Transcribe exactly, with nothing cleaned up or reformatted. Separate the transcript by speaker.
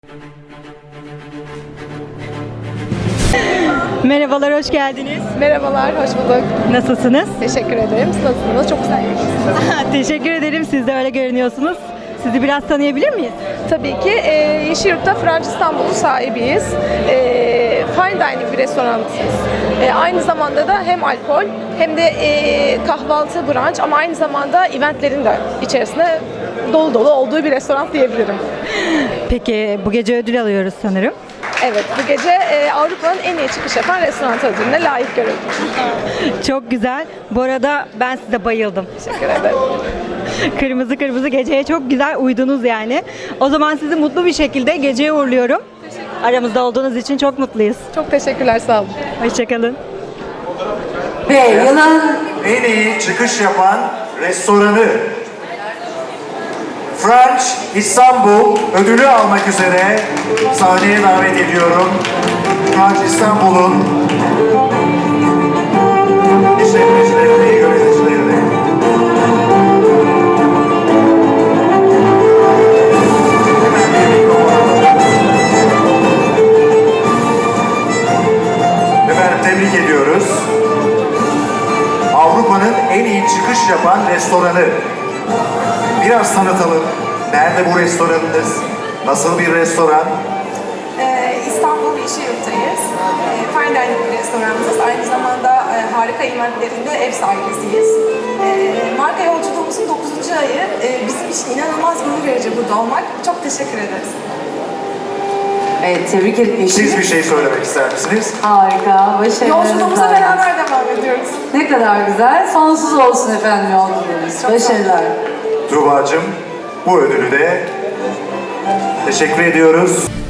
Speaker 1: Merhabalar, hoş geldiniz.
Speaker 2: Merhabalar, hoş bulduk.
Speaker 1: Nasılsınız?
Speaker 2: Teşekkür ederim. Siz nasılsınız? Çok güzel görünüyorsunuz.
Speaker 1: Teşekkür ederim, siz de öyle görünüyorsunuz. Sizi biraz tanıyabilir miyiz?
Speaker 2: Tabii ki e, Yeşilyurt'ta French İstanbul'un sahibiyiz. E, fine dining bir restoranız. E, aynı zamanda da hem alkol hem de e, kahvaltı, brunch ama aynı zamanda eventlerin de içerisinde dolu dolu olduğu bir restoran diyebilirim.
Speaker 1: Peki, bu gece ödül alıyoruz sanırım.
Speaker 2: Evet, bu gece e, Avrupa'nın en iyi çıkış yapan restoran ödülüne layık görüldük.
Speaker 1: Çok güzel. Bu arada ben size bayıldım.
Speaker 2: Teşekkür ederim.
Speaker 1: Kırmızı kırmızı geceye çok güzel uydunuz yani. O zaman sizi mutlu bir şekilde geceye uğurluyorum. Aramızda olduğunuz için çok mutluyuz.
Speaker 2: Çok teşekkürler, sağ olun.
Speaker 1: Hoşçakalın.
Speaker 3: Ve yılın
Speaker 4: En iyi çıkış yapan restoranı French İstanbul ödülü almak üzere sahneye davet ediyorum. French İstanbul'un işletmecilerini, yöneticilerini. Hemen bir mikrofon alalım. Efendim tebrik ediyoruz. Avrupa'nın en iyi çıkış yapan restoranı. Biraz tanıtalım. Nerede bu restoranınız? Nasıl bir restoran?
Speaker 5: Ee, İstanbul Yeşilyurt'tayız. Ee, fine dining bir restoranımız. Aynı zamanda e, harika eventlerinde ev sahibisiyiz. Ee, marka yolculuğumuzun dokuzuncu ayı. Ee, bizim için inanılmaz gurur verici burada olmak. Çok teşekkür ederiz.
Speaker 3: evet, tebrik ederim.
Speaker 4: Siz bir şey söylemek ister misiniz?
Speaker 3: Harika, başarılarınız.
Speaker 5: Yolculuğumuza
Speaker 3: var.
Speaker 5: beraber devam ediyoruz.
Speaker 3: Ne kadar güzel. Sonsuz olsun efendim yolculuğunuz. Başarılar.
Speaker 4: Tuğba'cığım bu ödülü de teşekkür ediyoruz.